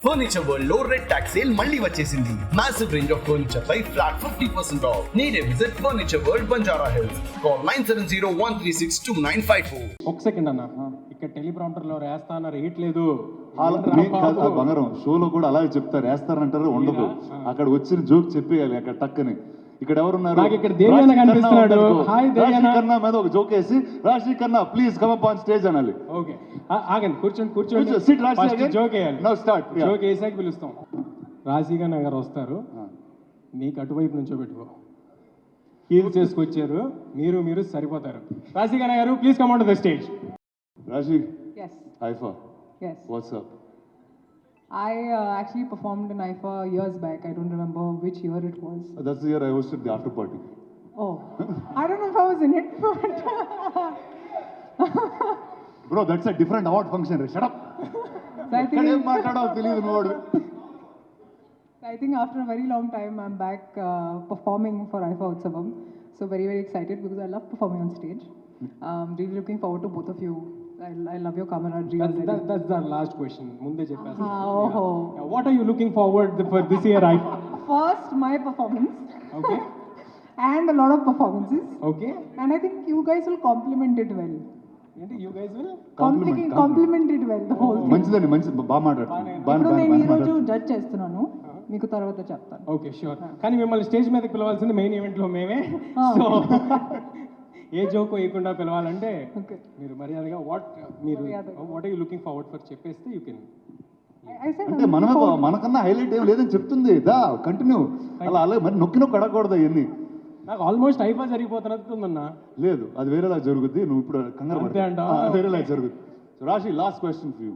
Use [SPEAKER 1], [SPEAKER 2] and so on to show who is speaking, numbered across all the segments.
[SPEAKER 1] Furniture world లో red tags sale మళ్ళీ వచ్చేసింది. మాసివ్ రేంజ్ ఆఫ్ ఫర్నిచర్ పై flat 50% off. Need a visit furniture world Banjara Hills. Call 9701362954.
[SPEAKER 2] ఒక second అన్న, ఇక్కడ టెలిప్రాంప్టర్ లో వేస్తా అన్నారు, వేయట్లేదు.
[SPEAKER 3] బంగారం షోలో కూడా అలాగే చెప్తారు, వేస్తారంటారు, ఉండదు. అక్కడ వచ్చిన జోక్ చెప్పేయాలి అక్కడ టక్కని. ఇక్కడ ఎవరున్నారు?
[SPEAKER 2] ఇక్కడ దేవి కనిపిస్తున్నాడు. హాయ్ దేవి
[SPEAKER 3] కన్నా మీద ఒక జోక్ వేసి రాశి కన్నా please come up on stage అనాలి.
[SPEAKER 2] ఓకే ఆగండి, కూర్చోండి.
[SPEAKER 3] సిట్ రాశి
[SPEAKER 2] జోక్ వేయాలి.
[SPEAKER 3] Now start.
[SPEAKER 2] జోక్ వేసాక పిలుస్తాం. రాశిగా నగర్ వస్తారు, నీకు అటువైపు నుంచో పెట్టుకో. హీల్స్ చేసుకొచ్చారు, మీరు సరిపోతారు. రాశిగా నగర్ please come on to the stage.
[SPEAKER 3] Rashi
[SPEAKER 4] Yes.
[SPEAKER 3] IIFA
[SPEAKER 4] Yes.
[SPEAKER 3] What's up?
[SPEAKER 4] I actually performed in IFA years back. I don't remember which year it was.
[SPEAKER 3] That's the year I hosted the after party.
[SPEAKER 4] Oh, I don't know if I was in it, but
[SPEAKER 3] Bro, that's a different award function. Shut up.
[SPEAKER 4] so I think after a very long time, I'm back performing for IFA Utsavam. So very, very excited because I love performing on stage. Really looking forward to both of you. I love your camaraderie.
[SPEAKER 2] That's the last question. Munde cheppasa.
[SPEAKER 4] Oh.
[SPEAKER 2] What are you looking forward for this year?
[SPEAKER 4] First, my performance.
[SPEAKER 2] Okay.
[SPEAKER 4] And a lot of performances.
[SPEAKER 2] Okay.
[SPEAKER 4] And I think you guys will complement it well.
[SPEAKER 2] You guys will
[SPEAKER 4] Compliment it well, the whole thing.
[SPEAKER 3] మంచిదండి, మంచి బాగా మాట్లాడు.
[SPEAKER 4] ఇప్పుడు నేను ఈ రోజు judge చేస్తున్నాను, మీకు తర్వాత చెప్తాను.
[SPEAKER 2] Okay sure. కానీ మిమ్మల్ని స్టేజ్ మీదకి పిలవాల్సింది మెయిన్ ఈవెంట్ లో మేమే. సో ఏ జోక్ వేయకుండా పిలవాలంటే మీరు మర్యాదగా what are you looking forward for చెప్పేస్తే యూ కెన్.
[SPEAKER 3] అంటే మనకన్నా హైలైట్ ఏం లేదని చెప్తుంది. దా కంటిన్యూ. అలా మరి నొక్కి అడగకూడదు అవన్నీ.
[SPEAKER 2] నాకు ఆల్మోస్ట్ ఐఫా జరిగిపోతున్నట్టుందన్నా.
[SPEAKER 3] లేదు, అది వేరేలా జరుగుద్ది. నువ్వు ఇప్పుడు కంగారు
[SPEAKER 2] అంతే అంట.
[SPEAKER 3] వేరేలా జరుగుద్ది. రాశి, last question for you.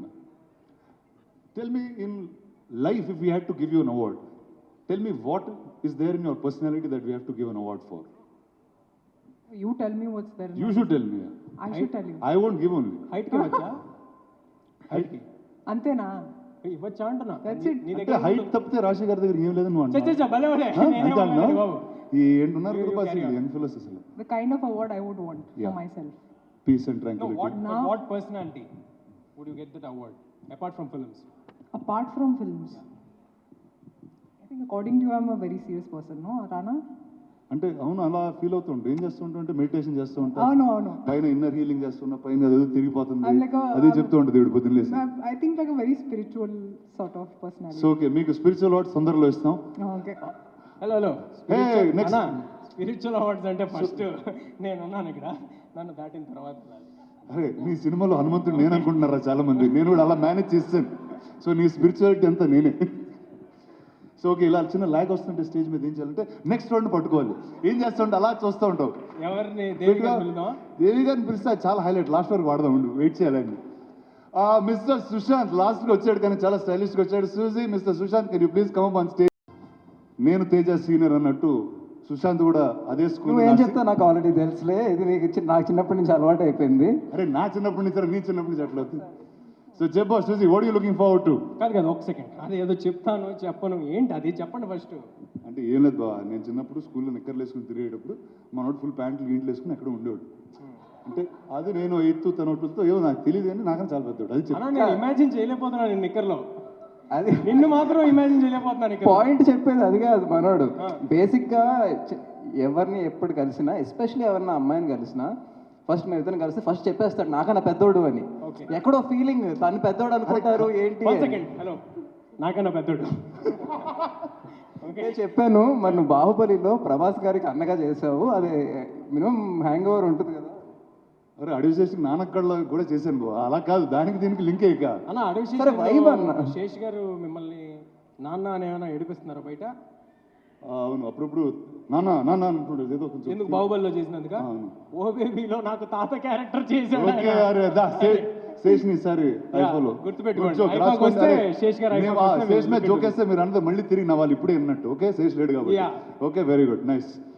[SPEAKER 3] Tell me, in life if you had to give you an award, tell me what is there in your personality that we have to give an award for?
[SPEAKER 4] You tell me what's there.
[SPEAKER 3] You should tell me.
[SPEAKER 4] I should tell you.
[SPEAKER 3] I won't give only.
[SPEAKER 2] Height కి వచ్చా? Height కి
[SPEAKER 4] అంతేనా?
[SPEAKER 2] ఇవ్వచ్చా అంటున్నా.
[SPEAKER 4] That's it.
[SPEAKER 2] నీ
[SPEAKER 3] అంటే
[SPEAKER 2] దగ్గర
[SPEAKER 3] height తప్పితే రాశి గారి దగ్గర ఏం లేదని నువ్వు అంటున్నావు.
[SPEAKER 2] బాబు
[SPEAKER 3] ఈ ఏంటున్నారు యంగ్ ఫెలోస్ అసలు.
[SPEAKER 4] The kind of award I would want for myself.
[SPEAKER 3] Peace and tranquility.
[SPEAKER 2] What personality would you get that award apart from films?
[SPEAKER 4] Apart from films, I think according to you, I'm a very serious person, no, Rana?
[SPEAKER 3] అంటే అవును, అలా feel అవుతుంటే ఏం చేస్తుంటా అంటే meditation చేస్తూ ఉంటా,
[SPEAKER 4] అవును
[SPEAKER 3] పైన ఇన్నర్ హీలింగ్ చేస్తున్నా, పైన అదేదో తిరిగిపోతుంది,
[SPEAKER 4] I'm like
[SPEAKER 3] అదే చెప్తూ ఉంటుంది దేవుడు పొద్దున్న లేసి.
[SPEAKER 4] I think like a very spiritual sort of personality.
[SPEAKER 3] So okay, మీకు స్పిరిచువల్ అవార్డ్స్ తొందరలో ఇస్తాం.
[SPEAKER 4] Okay.
[SPEAKER 2] Hello
[SPEAKER 3] next
[SPEAKER 2] spiritual awards అంటే ఫస్ట్ నేనున్నాను ఇక్కడ, నన్ను దాటిన తర్వాత.
[SPEAKER 3] అరే నీ సినిమాలో హనుమంతుడు నేను అనుకుంటున్నారా చాలా మంది. నేను కూడా అలా మేనేజ్ చేస్తాను. సో నీ స్పిరిచువాలిటీ అంతా నేనే. సో ఓకే, ఇలా చిన్న ల్యాగ్ వస్తుంటే స్టేజ్ మీద ఏం చేయాలంటే నెక్స్ట్ రౌండ్ పట్టుకోవాలి. ఏం చేస్తుంటే అలా చూస్తూ ఉంటావు.
[SPEAKER 2] ఎవరిని? దేవి
[SPEAKER 3] గారిని పిలిస్తే చాలా హైలైట్. లాస్ట్ వరకు వాడదాం, ఉండు, వెయిట్ చేయాలండి. మిస్టర్ సుశాంత్ లాస్ట్గా వచ్చాడు, కానీ చాలా స్టైలిష్గా వచ్చాడు. Susie, mister Sushant, can you please come up on stage? నేను తేజ సీనియర్ అన్నట్టు సుశాంత్ కూడా అదే స్కూల్.
[SPEAKER 5] ఏం చెప్తా నాకు ఆల్రెడీ తెలుసులే, ఇది నాకు చిన్నప్పటి నుంచి అలవాటు అయిపోయింది.
[SPEAKER 3] అరే నా చిన్నప్పటి నుంచి, నీ చిన్నప్పటి నుంచి అట్లా అవుతుంది. సో చెప్పు Susie, what you looking forward to?
[SPEAKER 2] కాదు ఒక సెకండ్, అది ఏదో చెప్తాను చెప్పను, ఏంటి అది చెప్పండి ఫస్ట్.
[SPEAKER 3] అంటే ఏం లేదు బాబా, నేను చిన్నప్పుడు స్కూల్లో నిక్కర్లు వేసుకుని తిరిగేటప్పుడు మనోడు ఫుల్ ప్యాంట్లు గీంట్లు వేసుకుని ఎక్కడ ఉండేవాడు. అంటే అది నేను 8th తన 12th ఏమో నాకు తెలియదు, కానీ నాకని చాలా పెద్దవాడు. అది
[SPEAKER 2] నేను ఇమాజిన్ చేయలేకపోతున్నాను నేను నిక్కర్లో. అది నిన్ను మాత్రం ఇమాజిన్ చేయలేకపోతున్నాను.
[SPEAKER 5] పాయింట్ చెప్పేది అది కాదు మనోడు. బేసిక్గా ఎవరిని ఎప్పుడు కలిసినా, ఎస్పెషల్లీ ఎవరిన అమ్మాయిని కలిసినా, ఫస్ట్ మీరు ఇద్దరు కలిసి ఫస్ట్ చెప్పేస్తాడు నాకన్నా పెద్దోడు అని. ఎక్కడో ఫీలింగ్, తను పెద్దోడు అనుకుంటారు ఏంటి.
[SPEAKER 2] హలో, నాకన్నా పెద్దోడు
[SPEAKER 5] ఓకే చెప్పాను. మరి నువ్వు బాహుబలిలో ప్రభాస్ గారికి అన్నగా చేసావు, అది మినిమం హ్యాంగ్ ఓవర్ ఉంటుంది కదా.
[SPEAKER 3] అరే అడవి శేషి నానక్కడలో కూడా చేశాను బాబు, అలా కాదు, దానికి దీనికి లింక్ అయ్యాక.
[SPEAKER 2] అన్న అడవి శేష్ గారు మిమ్మల్ని నాన్న అని ఏమైనా ఏడిపిస్తున్నారా బయట?
[SPEAKER 3] అవును, అప్పుడప్పుడు నాన్న నాన్న అంటుండే ఏదో కొంచెం.
[SPEAKER 2] ఎందుకు? బాహుబలిలో చేసినందుక? ఓ బేబీలో నాకు తాత క్యారెక్టర్ చేశాడు.
[SPEAKER 3] శేష్ని సారి
[SPEAKER 2] గుర్తుపెట్టుకోండి,
[SPEAKER 3] శేష్ మీద జోకేస్తే మీరు అందరూ మళ్ళీ తిరిగి నవ్వాలి ఇప్పుడే అన్నట్టు. ఓకే, శేష్ లేడు కాబట్టి. Okay, very good, nice.